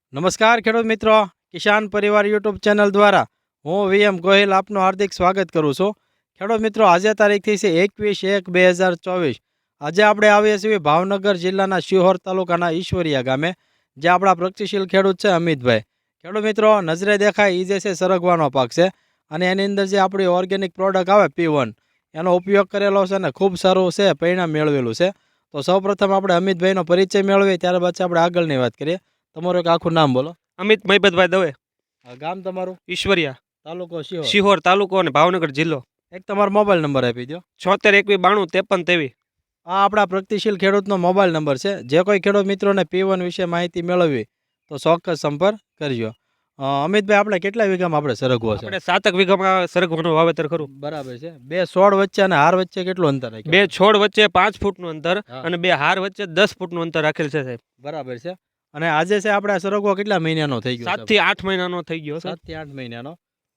નમસ્કાર ખેડૂત મિત્રો, કિસાન પરિવાર યુટ્યુબ ચેનલ દ્વારા હું વીએમ ગોહિલ આપનું હાર્દિક સ્વાગત કરું છું. ખેડૂત મિત્રો, આજે તારીખથી છે 21/1/2024. આજે આપણે આવીએ છીએ ભાવનગર જિલ્લાના શિહોર તાલુકાના ઈશ્વરિયા ગામે, જે આપણા પ્રગતિશીલ ખેડૂત છે અમિતભાઈ. ખેડૂત મિત્રો, નજરે દેખાય એ જે છે સરગવાનો પાક છે, અને એની અંદર જે આપણી ઓર્ગેનિક પ્રોડક્ટ આવે P1 એનો ઉપયોગ કરેલો છે અને ખૂબ સારું છે પરિણામ મેળવેલું છે. તો સૌપ્રથમ આપણે અમિતભાઈનો પરિચય મેળવીએ, ત્યારબાદ આપણે આગળની વાત કરીએ. તમારું એક આખું નામ બોલો. અમિત મહિપતભાઈ દવે, ગામ તમારું? ઈશ્વરિયા, તાલુકો શિહોર. શિહોર તાલુકો અને ભાવનગર જિલ્લો. એક તમારો મોબાઈલ નંબર આપી દો. 76 21 92 53 23. આ આપણા પ્રગતિશીલ ખેડૂતનો મોબાઈલ નંબર છે. જે કોઈ ખેડૂત મિત્રોને P1 વિશે માહિતી મેળવવી તો ચોક્કસ સંપર્ક કરજો. અમિતભાઈ, આપણે કેટલા વીઘામાં આપણે સરગવો છે? આપણે 7 વીઘામાં સરગવાનું વાવેતર કરું. બરાબર છે. બે છોડ વચ્ચે અને હાર વચ્ચે કેટલું અંતર રાખ્યું? બે છોડ વચ્ચે 5 ફૂટનું અંતર હા. અને બે હાર વચ્ચે 10 ફૂટનું અંતર રાખેલ છે સાહેબ. બરાબર છે. અને આજે છે આપણે આ સરગવો કેટલા મહિનાનો થઈ ગયો? 7 થી 8 મહિનાનો થઈ ગયો છે. 7 થી 8 મહિનાનો.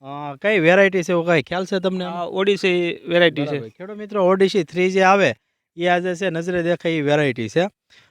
કઈ વેરાયટી છે એવું કઈ ખ્યાલ છે તમને? આ ઓડિસી વેરાયટી છે. બરાબર. ખેડૂત મિત્રો, ઓડિસી 3 જે આવે એ આજે છે નજરે દેખાય એ વેરાયટી છે.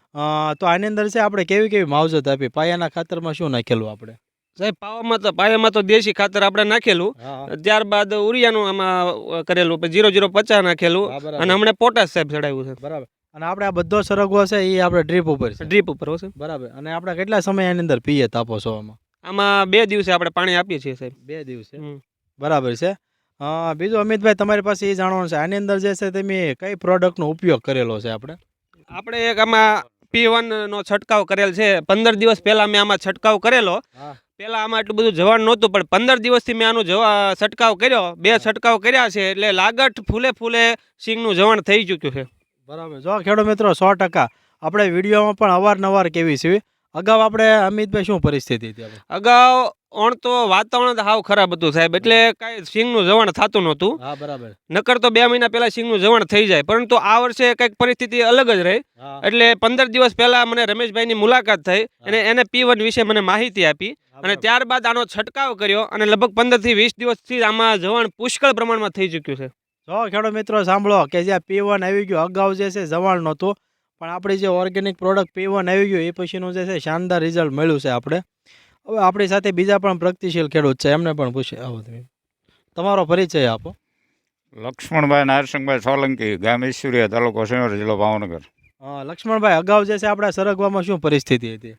તો આની અંદર છે આપણે કેવી કેવી માવજત આપી? પાયાના ખાતરમાં શું નાખેલું આપણે? સાહેબ પાયામાં તો દેશી ખાતર આપણે નાખેલું, ત્યારબાદ ઉરિયાનું આમાં કરેલું, પછી 0050 નાખેલું અને હમણાં પોટાશ સાહેબ ચડાવ્યું છે. બરાબર. અને આપણે આ બધો સરગવો છે એ આપણે ડ્રીપ ઉપર છે? ડ્રીપ ઉપર હશે. બરાબર. અને આપણે કેટલા સમય આની અંદર પિયત આપો છો આમાં? આમાં 2 દિવસે આપણે પાણી આપીએ છીએ સાહેબ. 2 દિવસે. હમ. બરાબર છે. બીજું અમિતભાઈ, તમારી પાસે એ જાણવાનું છે, આની અંદર જે છે તમે કઈ પ્રોડક્ટનો ઉપયોગ કરેલો છે આપણે એક આમાં P1 નો છંટકાવ કરેલ છે. 15 દિવસ પહેલા મેં આમાં છંટકાવ કરેલો. પહેલા આમાં એટલું બધું જવાન નહોતું, પણ 15 દિવસથી મેં આનું છંટકાવ કર્યો. 2 છંટકાવ કર્યા છે, એટલે લાગટ ફૂલે સિંગનું જવાન થઈ ચૂક્યું છે. બરાબર. જો ખેડૂત મિત્રો, 100% આપણે વિડીયોમાં પણ અવારનવાર કેવી છે. અગાઉ આપણે અમિતભાઈ શું પરિસ્થિતિ હતી? અગાઉ તો વાતાવરણ તો હાવ ખરાબ હતું સાહેબ, એટલે કાંઈ સિંગનું જવાન થતું નહોતું. હા, બરાબર. નકર તો 2 મહિના પહેલા સિંગનું જવાન થઈ જાય, પરંતુ આ વર્ષે કંઈક પરિસ્થિતિ અલગ જ રહી. એટલે 15 દિવસ પહેલા મને રમેશભાઈની મુલાકાત થઈ અને એને P1 વિશે મને માહિતી આપી, અને ત્યારબાદ આનો છંટકાવ કર્યો, અને લગભગ 15 થી 20 દિવસથી આમાં જવાન પુષ્કળ પ્રમાણમાં થઈ ચૂક્યું છે. જો ખેડૂત મિત્રો સાંભળો કે જે P1 આવી ગયું, અગાઉ જે છે જવાણ નહોતું, પણ આપણી જે ઓર્ગેનિક પ્રોડક્ટ P1 આવી ગયું એ પછીનું જે છે શાનદાર રિઝલ્ટ મળ્યું છે આપણે. હવે આપણી સાથે બીજા પણ પ્રગતિશીલ ખેડૂત છે, એમને પણ પૂછીએ. આવો તમે, તમારો પરિચય આપો. લક્ષ્મણભાઈ નારસિંહભાઈ સોલંકી, ગામ ઈશ્વરિયા, તાલુકો શિહોર, જિલ્લો ભાવનગર. લક્ષ્મણભાઈ, અગાઉ જે છે આપણા સરગવામાં શું પરિસ્થિતિ હતી?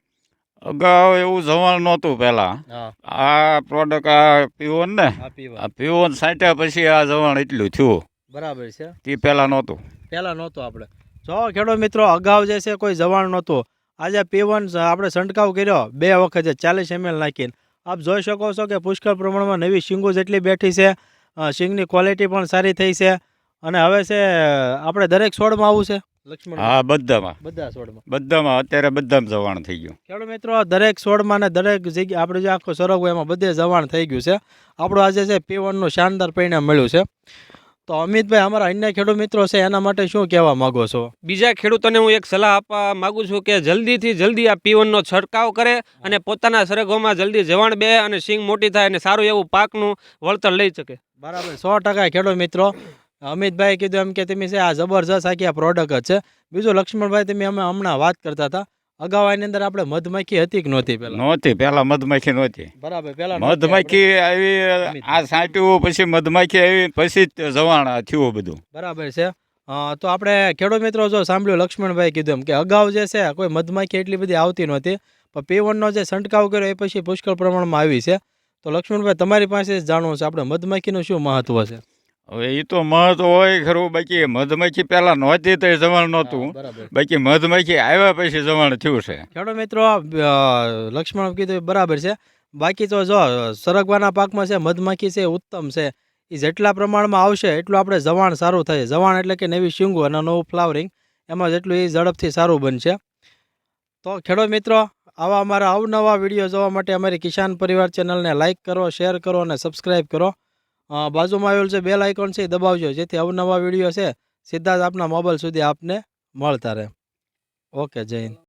અગાઉ એવું જવાન નહોતું પહેલા. આ પ્રોડક્ટ આ P1 ને, આ P1 છાંટ્યા પછી આ જવાન એટલું થયું. બરાબર છે. તે પહેલા નહોતું. પહેલા નહોતું. આપણે જો ખેડૂત મિત્રો, અગાઉ જે છે કોઈ જવાણ નહોતું. આજે P1 આપણે છંટકાવ કર્યો 2 વખત 40 ml નાખીને. આપ જોઈ શકો છો કે પુષ્કળ પ્રમાણમાં નવી શીંગો જેટલી બેઠી છે, શીંગની ક્વોલિટી પણ સારી થઈ છે, અને હવે છે આપણે દરેક છોડમાં આવું છે લક્ષ્મણ? હા, બધામાં. બધા છોડમાં. બધામાં અત્યારે બધામાં જવાન થઈ ગયું. ખેડૂત મિત્રો, દરેક છોડમાં ને દરેક જગ્યાએ આપણે જે આખો સરગવો એમાં બધે જવાણ થઈ ગયું છે. આપણું આજે છે P1 નું શાનદાર પરિણામ મળ્યું છે. તો અમિતભાઈ, અમારા અન્ય ખેડૂત મિત્રો છે એના માટે શું કહેવા માંગો છો? બીજા ખેડૂતોને હું એક સલાહ આપવા માંગુ છું કે જલ્દીથી જલ્દી આ P1 નો છંટકાવ કરે અને પોતાના સરગવામાં જલ્દી જવાણ બે અને સિંગ મોટી થાય અને સારું એવું પાકનું વળતર લઈ શકે. બરાબર. 100% ખેડૂત મિત્રો, અમિતભાઈ કીધું એમ કે તમે છે આ જબરજસ્ત આખી આ પ્રોડક્ટ છે. બીજું લક્ષ્મણભાઈ, તમે અમે હમણાં વાત કરતા હતા, અગાઉ આની અંદર આપણે મધમાખી હતી કે નહોતી? પહેલા મધમાખી નહોતી. બરાબર. પહેલા મધમાખી આવી, આ છાંટ્યું પછી મધમાખી આવી, પછી જ જવાણ થયું બધું. બરાબર છે. તો આપણે ખેડૂત મિત્રો જો સાંભળ્યું, લક્ષ્મણભાઈ કીધું એમ કે અગાઉ જે છે કોઈ મધમાખી એટલી બધી આવતી નહોતી, પણ P1 નો જે છંટકાવ કર્યો એ પછી પુષ્કળ પ્રમાણમાં આવી છે. તો લક્ષ્મણભાઈ, તમારી પાસે જ જાણવું છે આપણે મધમાખીનું શું મહત્વ છે? હવે એ તો મહત્વ હોય ખરું, બાકી મધમાખી પહેલા નહોતી તો જવાણ નહોતું, બાકી મધમાખી આવ્યા પછી જવાણ થયું છે. ખેડૂત મિત્રો, લક્ષ્મણ કીધું બરાબર છે. બાકી તો જો સરગવાના પાકમાં છે મધમાખી છે ઉત્તમ છે, એ જેટલા પ્રમાણમાં આવશે એટલું આપણે જવાણ સારું થાય. જવાણ એટલે કે નવી શીંગો અને નવું ફ્લાવરિંગ, એમાં જેટલું એ ઝડપથી સારું બનશે. તો ખેડૂત મિત્રો, આવા અમારા અવનવા વિડીયો જોવા માટે અમારી કિસાન પરિવાર ચેનલને લાઇક કરો, શેર કરો અને સબસ્ક્રાઈબ કરો. બાજુમાં આવેલું છે બેલ આઇકોન છે, દબાવજો, જેથી અવનવા વિડીયો છે સીધા જ આપના મોબાઈલ સુધી આપને મળતા રહે. ઓકે, જય હિન્દ.